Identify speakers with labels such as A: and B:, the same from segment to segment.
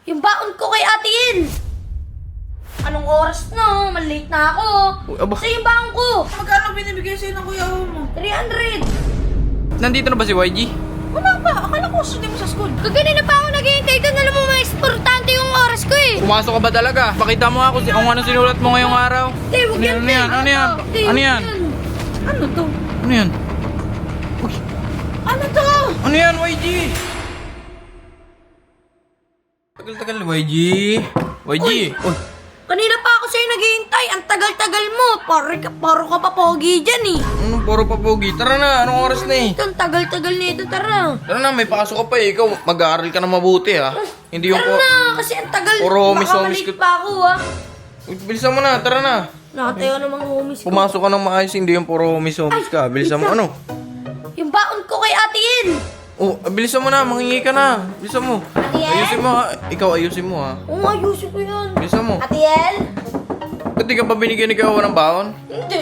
A: Yung baon ko kay Ate Yel. Anong oras na? Malate na ako.
B: Uy, aba.
A: Sa yung baon ko.
C: Magkano binibigay sa'yo ng kuya mo?
A: 300.
B: Nandito na ba si YG?
C: Wala pa. Akala ko sunday mo sa school.
A: Kaganina pa ako naghihintay doon. Alam mo, mas importante yung oras ko eh.
B: Pumasok ka ba talaga? Pakita mo ako kung ano sinulat mo ngayong araw.
A: Hindi, huwag yan.
B: Ano yan? Ano yan?
A: Hindi,
B: Ano
A: huwag
B: yan?
C: Ano to?
B: Ano yan?
C: Ano to?
B: Ano yan, YG? Tagal-tagal, YG. YG. Uy.
A: Kanina pa ako sa'yo naghihintay. Ang tagal-tagal mo. Paro ka pa pogi dyan eh.
B: Ano, puro papogi. Tara na, anong oras na eh?
A: Ito, ang tagal-tagal nito. Tara.
B: Tara na, may pasok ka pa eh. Ikaw, mag-aaral ka na mabuti ha. Hindi yung
A: Tara na, kasi ang tagal.
B: Puro homies
A: Baka malate
B: ka-
A: pa ako ah.
B: Uy, bilisan mo na, tara na.
A: Nakatayo namang homies ko.
B: Pumasok ka ng maayos, hindi yung puro homies ka. Bilisan mo, ano?
A: Yung baon ko kay Ate Yel.
B: Oh, bilisan mo na, mangingi ka na. Bilisan mo.
A: Ate Yel?
B: Ayusin mo ha. Ikaw, ayusin mo ha.
A: Oo, ayusin ko yan.
B: Bilisan mo.
A: Ate Yel?
B: Ba't di ka pa binigyan ni Kawa ng baon?
A: Hindi.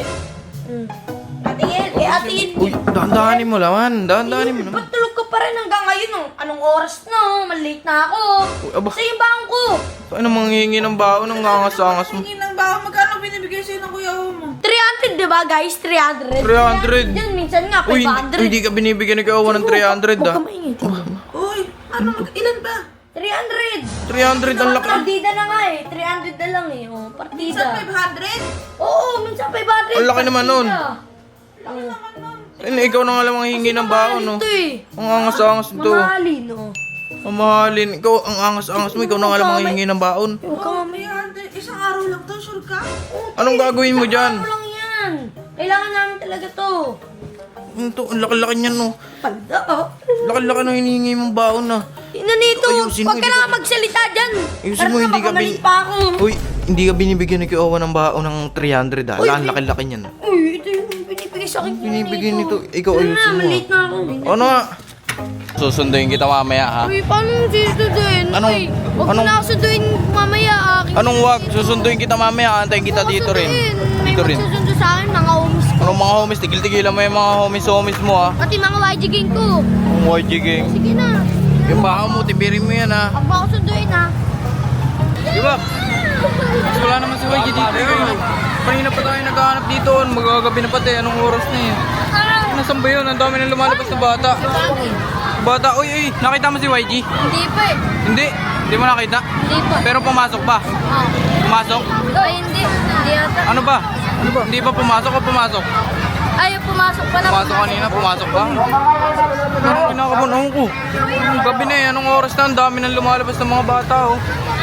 A: Ate Yel, eh Ate Yel.
B: Uy, dahan-dahanin mo laman. Dahan-dahanin mo naman.
A: Ba't tulog ka pa rin hanggang ngayon? Anong oras na? Malate na ako.
B: Uy, aba.
A: Sa yung baon ko.
B: Ano manghingi ng baon ng angas-angas mo?
C: Tingin ng bawa. Magkano binibigay sa'yo ng kuya mo?
A: 300 diba guys? 300.
B: 300.
A: Yan, minsan nga
B: Uy,
A: 500.
B: hindi ka binibigyan ni Kawa ng 300
A: Huwag
B: ah.
A: ka maingay.
C: Uy, ano? Ilan ba?
A: 300.
B: 300 ang laki.
A: Partida na nga eh. 300 na lang eh. Oh, partida.
C: Sa 500?
A: Oo, minsan 500.
B: Ang laki naman nun.
A: Partida.
B: Ikaw na nga lang manghingi ng baon no.
A: Ito eh.
B: Ang angas-angas nito.
A: Mamahalin oh.
B: Mamahalin. Ikaw, ang angas-angas mo. Ikaw na nga lang manghingi ng baon.
A: Huwag ka mamay.
C: 300? Isang araw lang to, sure ka?
B: Anong gagawin mo dyan?
A: Ano lang yan? Kailangan namin talaga to.
B: Ito, ang laki-laki niyan no.
A: Palda oh.
B: Laki-laki ng hinihingi mong baon na.
A: Tingnan nito.
B: Ayusin mo,
A: Huwag ka
B: hindi
A: na
B: ka-
A: magsalita dyan.
B: Ayusin mo, hindi ka
A: bin... pa ako.
B: Uy, hindi ka binibigyan ni Kawa ng baon ng 300 ah.
A: Uy,
B: Ang laki-laki niyan.
A: Uy, ito yung binibigay sa akin.
B: Binibigyan nito. Ikaw,
A: Ano
B: ayusin
A: na,
B: mo.
A: malate na ako.
B: Ano nga? Susunduin kita mamaya ha.
A: Uy, paano mo susunduin?
B: Anong-
A: Uy, huwag mo
B: anong-
A: na ako sunduin mamaya.
B: Anong wag? Susunduin kita mamaya. Antayin kita dito rin.
A: May
B: Dito rin.
A: magsusundo sa akin, mga homies ko.
B: Anong mga homies? Tigil-tigilan mo yung mga homies mo ha.
A: Pati mga YG gang ko.
B: Ang YG gang.
A: Sige na.
B: Yung baka mo, tibirin mo yan ha.
A: Huwag mo ako sunduin ha.
B: Di ba? Mas wala naman si YG dito. Kanina pa tayo naghahanap dito. Magagabi na pati. Anong oras na yun? Nasaan ba yun? Ang dami nang lumalabas na bata. Bata, uy, nakita mo si YG?
A: Hindi pa eh.
B: Hindi. Hindi mo nakita?
A: Hindi pa.
B: Pero pumasok pa.
A: Oh.
B: Pumasok?
A: Ay, hindi. Hindi ata.
B: Ano ba? Hindi pa pumasok o pumasok?
A: Ay, pumasok pa na.
B: Pumasok kanina, pumasok pa. Anong kinakabunahan ko? Gabi na eh, anong oras na? Ang dami nang lumalabas ng mga bata oh.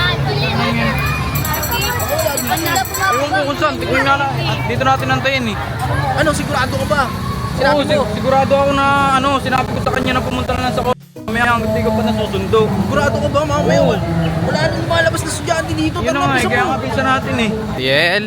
B: Ewan ko kung saan, tignan na lang. Dito natin antayin eh.
C: Ano, sigurado ka ba?
B: Oo, sigurado ako na sinabi ko sa kanya na pumunta na lang sa mamaya hindi ko pa nasusundo.
C: Sigurado ka ba, mamaya?
B: Oo.
C: Wala nang lumalabas na estudyante dito.
B: Yun na nga eh, kaya nga pinsa natin eh. Tiel,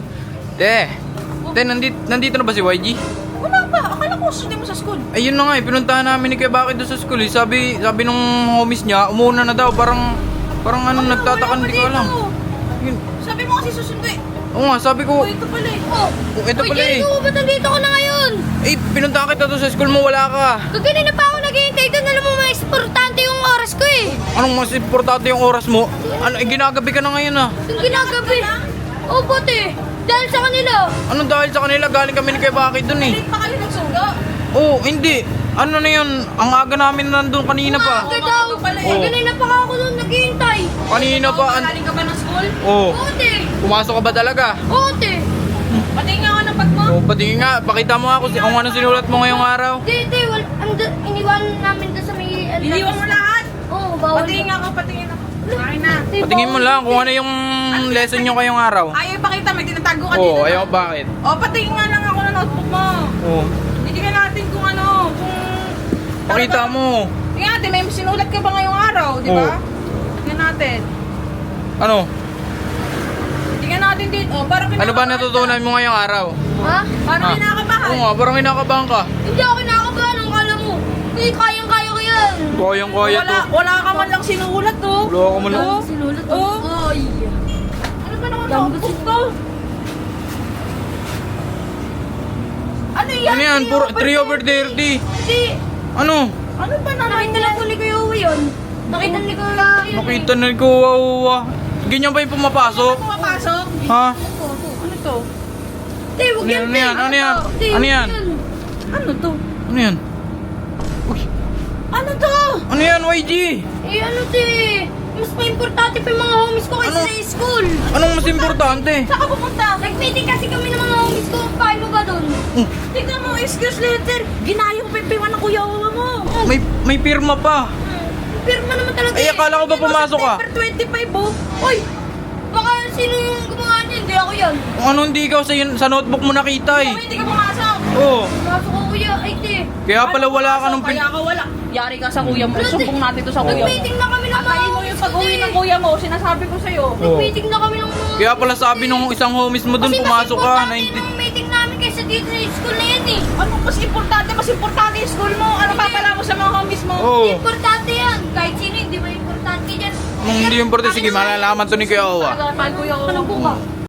B: nandito na ba si YG?
C: Wala pa. Akala ko sunday mo sa school.
B: Ayun na nga eh, pinuntahan namin ni Kuya Bakit doon sa school eh. Sabi nung homies niya, umuuna na daw, parang nagtataka, hindi ko alam. Yun.
C: Sabi mo kasi susunduin.
B: Oo nga, sabi ko,
C: Ito pala eh.
A: Oh.
B: ito
A: Uy,
B: pala eh.
A: Jericho, ba't nandito ko na ngayon?
B: Eh, pinuntahan kita doon sa school mo, wala ka.
A: Kaganina pa ako naghihintay doon. Alam mo, mas importante yung oras ko eh.
B: Anong mas importante yung oras mo? Ginagabi ka na ngayon ah.
A: Yung ginagabi. Oh, buti. Dahil sa kanila.
B: Anong dahil sa kanila, galing kami ni Kuya Bakit doon eh.
C: Late pa kayo nagsundo.
B: Oo, hindi. Ano na yun, ang aga namin nandun kanina pa.
A: Aga daw.
B: Oh.
A: Kaganina pa ako doon naghihintay.
B: Kanina pa.
C: Galing ka ba ng school?
B: Oo.
A: Buti.
B: Pumasok ka ba talaga?
A: Buti.
C: Pati nga ako ng bag mo.
B: Oo, patingin nga. Pakita mo nga kung ano sinulat mo ngayong araw.
A: Hindi. Iniwanan namin doon sa may...
C: Iniwan mo lahat.
A: Oo, bawal.
C: Patingin nga ako, patingin ako. Ay na.
B: Patingin mo lang kung ano yung lesson nyo ngayong araw.
C: Ayaw ipakita, may tinatago ka dito.
B: Oo, ayaw bakit?
C: O, patingin nga lang ako ng notebook mo.
B: Oo.
C: Bigyan natin kung ano, kung...
B: Pakita mo.
C: Tingnan natin, may sinulat ka ba ngayong araw, di ba?
B: Oo.
C: Tingnan natin.
B: Ano?
C: Tingnan natin dito. Oh, parang
B: Ano ba natutunan mo ngayong araw?
A: Ha?
C: Parang
B: Ah.
C: kinakabahan.
B: Oo nga, parang kinakabahan ka.
A: Hindi ako kinakabahan. Ang kala mo. Hindi, kayang-kaya ko yan.
B: Kayang-kaya to.
C: Wala ka man lang sinulat, to.
B: Wala ka man lang.
C: Oh.
A: Sinulat ko.
C: Oo.
A: Ay.
C: Ano ba naman
A: Dami
C: notebook to? Ano yan?
B: Ano yan? Puro 3/30.
A: Hindi.
B: Ano?
C: Ano ba naman
A: Nakita lang ko ni Kuya Uwi yun. Nakita ni Kuya.
B: Nakita na ko, wow. Ganyan ba yung pumapasok?
C: Pumapasok?
B: Ha?
C: Ano to?
A: Te, huwag yan,
B: Ano yan?
A: te.
B: Ano yan?
A: Te,
B: Ano
A: huwag
B: yan?
C: Ano to?
B: Ano yan?
C: Ano to?
B: Ano yan, YG?
A: Eh, ano, te? Mas pa-importante pa yung mga homies ko kaysa
B: Ano?
A: sa school.
B: Anong mas importante?
C: Saan ka pupunta?
A: Nag-meeting kasi kami ng mga homies ko. Paano ba doon?
C: Tignan mo, excuse letter. Ginayong pipiwan ng kuya Wawa mo.
B: May pirma pa.
A: Pirma naman talaga.
B: Ay, akala ko ba pumasok ka?
C: September 25 oh.
A: Uy! Baka sino yung gumawa niya? Hindi ako yan.
B: Kung ano hindi ikaw sa notebook mo nakita eh.
C: Hindi ka pumasok.
B: Oo.
A: Pasok ko, kuya. Ay, te.
B: Kaya pala wala ka nung
C: Kaya ka wala. Yari ka sa kuya mo. Sumbong natin to sa kuya mo.
A: Nag-meeting na kami ng mga
C: Atayin mo
A: homies
C: yung
A: ko,
C: pag-uwi
A: te.
C: ng kuya mo. Sinasabi ko sa'yo.
A: Nag-meeting na kami ng mga
B: Kaya pala sabi nung isang homies mo dun,
A: Kasi
B: pumasok
A: mas
B: ka.
A: importante yung meeting namin kaysa dito sa school na yan eh.
C: Ano mas importante? Mas importante yung school mo. Ano papala mo sa mga homies mo?
B: Oo.
A: Importante yan. Kahit sino, hindi ba importante yan?
B: Nung hindi yung importante, sige, malalaman to ni Kuya Owa.
C: Kuya Wawa.
A: Ano po ba?